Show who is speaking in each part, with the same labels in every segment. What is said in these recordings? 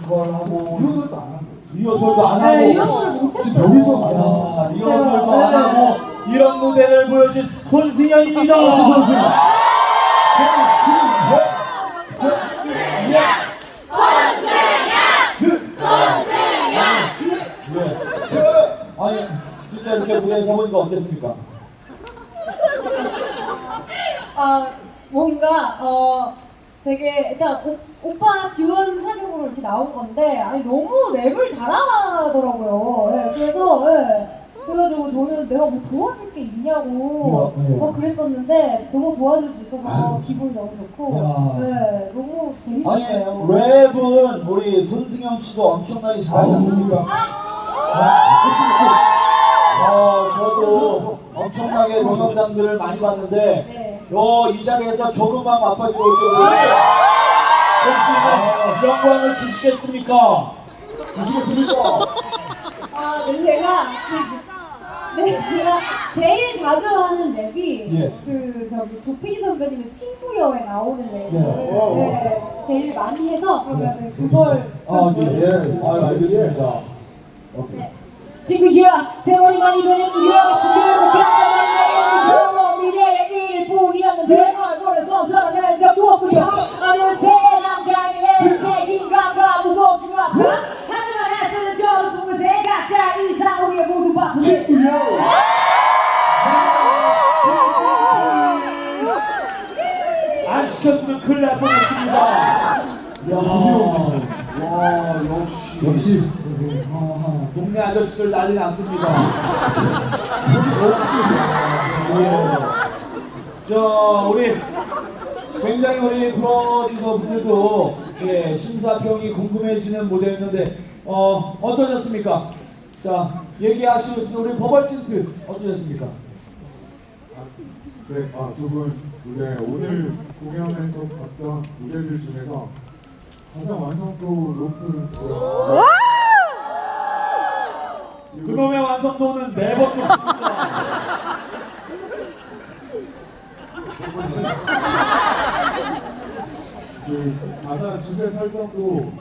Speaker 1: 그걸 하고
Speaker 2: 리허설도 안 하고.
Speaker 1: 리허설도 안
Speaker 3: 네,
Speaker 1: 하고
Speaker 3: 리허설을 못했어요.
Speaker 2: 지금 여기서
Speaker 1: 야, 리허설도 안 하고 이런 무대를 보여준 손승연입니다. 아니 진짜 이렇게 무대에 서보니까 어땠습니까?
Speaker 3: 뭔가 되게 일단 오빠 지원 사격으로 이렇게 나온 건데 아니 너무 랩을 잘하더라고요. 네, 그래가지고 저는 내가 뭐 도와줄 게 있냐고 그랬었는데 너무 도와줄 수 있어서 기분이 너무 좋고 네, 너무
Speaker 1: 아니
Speaker 3: 재밌었어요.
Speaker 1: 랩은 우리 손승연 씨도 엄청나게 잘하셨습니까? 저도 엄청나게 동영상들을 많이 봤는데
Speaker 3: 네.
Speaker 1: 이 자리에서 조금만 맛봐주고 올 줄은 혹시 영광을 주시겠습니까?
Speaker 3: 제가 제일 자주 하는 랩이
Speaker 1: 예.
Speaker 3: 저기 조필 선배님의 친구여에 나오는 랩을
Speaker 1: 예.
Speaker 3: 제일 많이 해서 그러면 그걸
Speaker 1: 알겠습니다.
Speaker 3: 네. 친구야 세월이 많이 변해 우리가 준비하고 미래의 일뿐이었는 새 얼굴에서 살아낸 적 무엇고요 어느새 남자의 책임감과 무거움과 하지만 애쓰는 저를 보고 각자 이상 위에 모두 바꾸네
Speaker 1: 안 시켰으면 큰일 날 뻔했습니다. 와, 역시. 동네 아저씨들 난리 났습니다. 우리 굉장히 우리 프로듀서 분들도 심사평이 궁금해지는 무대였는데 어떠셨습니까? 자, 얘기하시는 우리 버벌진트 어떠셨습니까?
Speaker 2: 네, 두 분 무대 오늘 공연에서 봤던 무대들 중에서 가장 완성도 높은
Speaker 1: 그놈의 완성도는 매번 높습니다.
Speaker 2: 가사 주제 설정도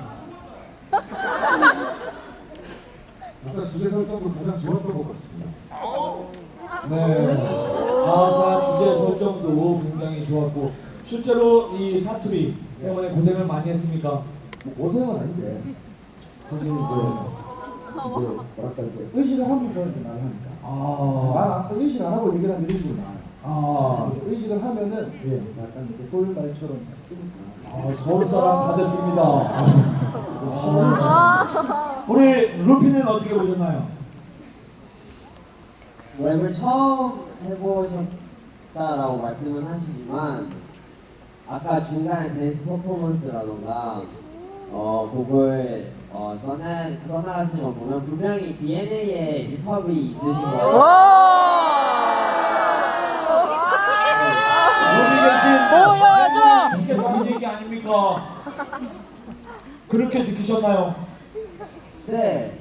Speaker 2: 가장 좋았던 것 같습니다.
Speaker 1: 네. 가사 주제 설정도 굉장히 좋았고 실제로 이 사투리 때문에 고생을 많이 했습니까?
Speaker 4: 고생은 아닌데 사실 뭐랄까 의식을 하면서 이렇게 말을 하니까 의식 안 하고 얘기를 하면 이런 식으로 나와요. 의식을 하면은 약간 이렇게 소울 말처럼 쓰니까
Speaker 1: 서울 사람 다 됐습니다. 우리 루피는 어떻게 보셨나요?
Speaker 5: 랩을 처음 해보셨다라고 말씀은 하시지만 아까 중간에 댄스 퍼포먼스라던가 곡을 써나가시는 거 보면 분명히 DNA에 힙합이 있으신 거예요.
Speaker 1: 보여줘! 이게 무슨 얘기 아닙니까? 그렇게 느끼셨나요?
Speaker 5: 네.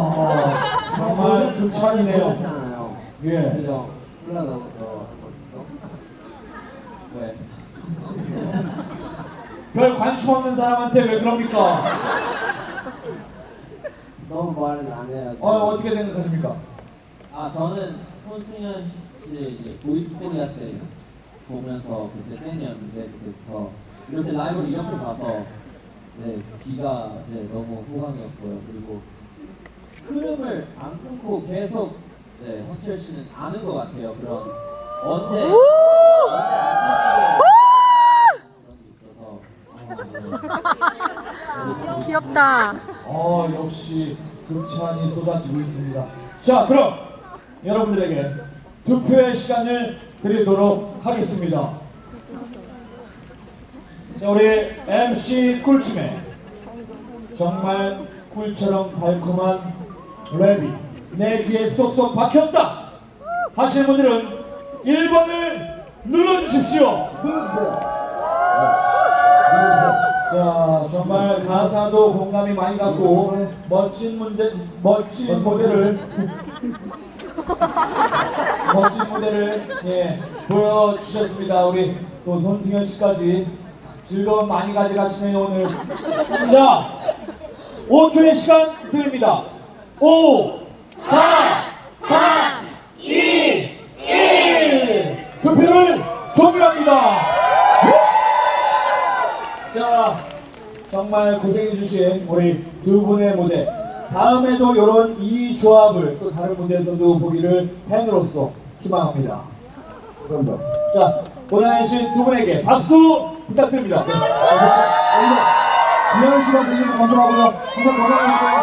Speaker 1: 정말 극찬이네요.
Speaker 5: 그렇잖아요.
Speaker 1: 예.
Speaker 5: 그죠? 흘러나오는 거 있어? 왜?
Speaker 1: 별 관심 없는 사람한테 왜 그럽니까?
Speaker 5: 너무 말을 안 해요.
Speaker 1: 어떻게 생각하십니까?
Speaker 5: 저는 손승연 씨 이제 보이스 코리아 때 보면서 그때 팬이었는데 그때부터 이렇게 라이브를 이렇게 봐서 귀가 너무 호강이었고요. 그리고 흐름을 안 끊고 계속 헌철 씨는 아는 것 같아요. 그런 언제
Speaker 6: 귀엽다.
Speaker 1: 역시 극찬이 쏟아지고 있습니다. 자, 그럼 여러분들에게 투표의 시간을 드리도록 하겠습니다. 자, 우리 MC 꿀침에 정말 꿀처럼 달콤한 랩이 내 귀에 쏙쏙 박혔다 하시는 분들은 1번을 눌러주십시오. 자, 정말 가사도 공감이 많이 갔고 멋진 무대를 보여주셨습니다. 우리 또 손승연 씨까지 즐거움 많이 가져가시네요 오늘. 자, 5초의 시간 드립니다. 5, 4, 3, 2, 1. 투표를 종료합니다. 자, 정말 고생해주신 우리 두 분의 무대. 다음에도 이런 이 조합을 또 다른 무대에서도 보기를 팬으로서 희망합니다.
Speaker 4: 감사합니다.
Speaker 1: 자, 고생해주신 두 분에게 박수 부탁드립니다. 네.
Speaker 4: 귀한 시간 드리는 거 감사하고요. 항상 건강하시고요.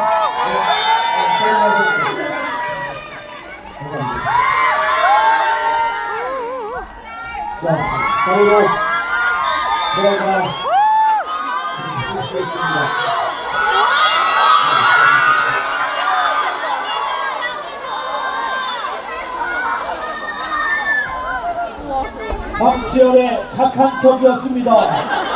Speaker 1: 자, 바로 저희가 시작했습니다. 박지열의 착한 척이었습니다.